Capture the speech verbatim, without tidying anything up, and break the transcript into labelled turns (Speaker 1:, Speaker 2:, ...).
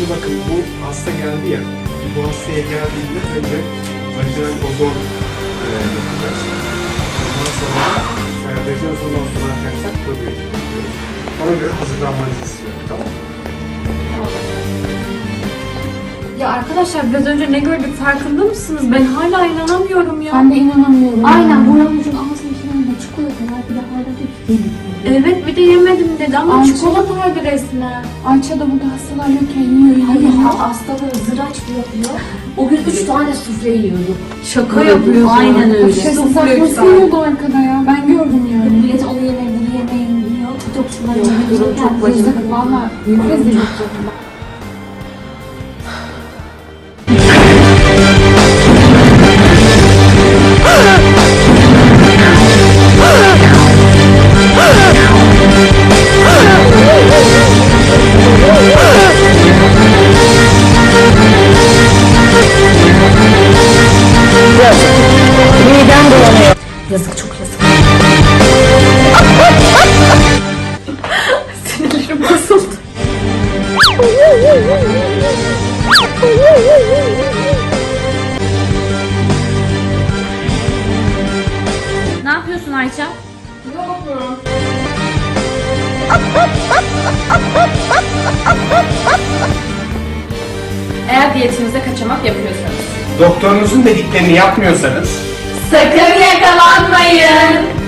Speaker 1: Şimdi bakın bu hasta geldi ya, bu hastaya geldiğinde önce vajinal ozon e, yapacağız. Ondan sonra e, vajinal ozondan sonra arkadaşlar probiyotik yapıyoruz. Ona göre hazırlanmanızı istiyorum, tamam mı?
Speaker 2: Ya arkadaşlar biraz önce ne gördük farkında mısınız? Ben hala inanamıyorum ya.
Speaker 3: Ben de inanamıyorum. Aynen Buramızın ağzının içinde çikolatalar bir de hala bir
Speaker 2: Evet bir de yemedim dedi ama
Speaker 3: Ayça.
Speaker 2: çikolataydı resmen.
Speaker 3: Ayça da burada hastalar yokken yiyor yiyor.
Speaker 4: Hayır,
Speaker 3: yiyor.
Speaker 4: hastaları zıraç yapıyor. O gün üç tane sufle yiyordu.
Speaker 2: Şaka yapıyorsun.
Speaker 4: Aynen öyle.
Speaker 3: Şey,
Speaker 2: Sufle
Speaker 3: saklısı
Speaker 2: güzel.
Speaker 3: yiyordu arkada ya. Ben gördüm yani.
Speaker 4: Millet onu yemeyin, bunu yemeyin diyor. TikTokçular
Speaker 2: Yok,
Speaker 4: yemeyin.
Speaker 2: durum çok
Speaker 4: Kendisi-
Speaker 2: bacım.
Speaker 3: Valla rezil.
Speaker 4: Yazık, çok yazık.
Speaker 2: Sinirlerim bozuldu.
Speaker 5: Ne yapıyorsun Ayça? Eğer diyetinizde kaçamak yapıyorsanız
Speaker 1: Doktorunuzun dediklerini yapmıyorsanız
Speaker 5: sakın yakalanmayın.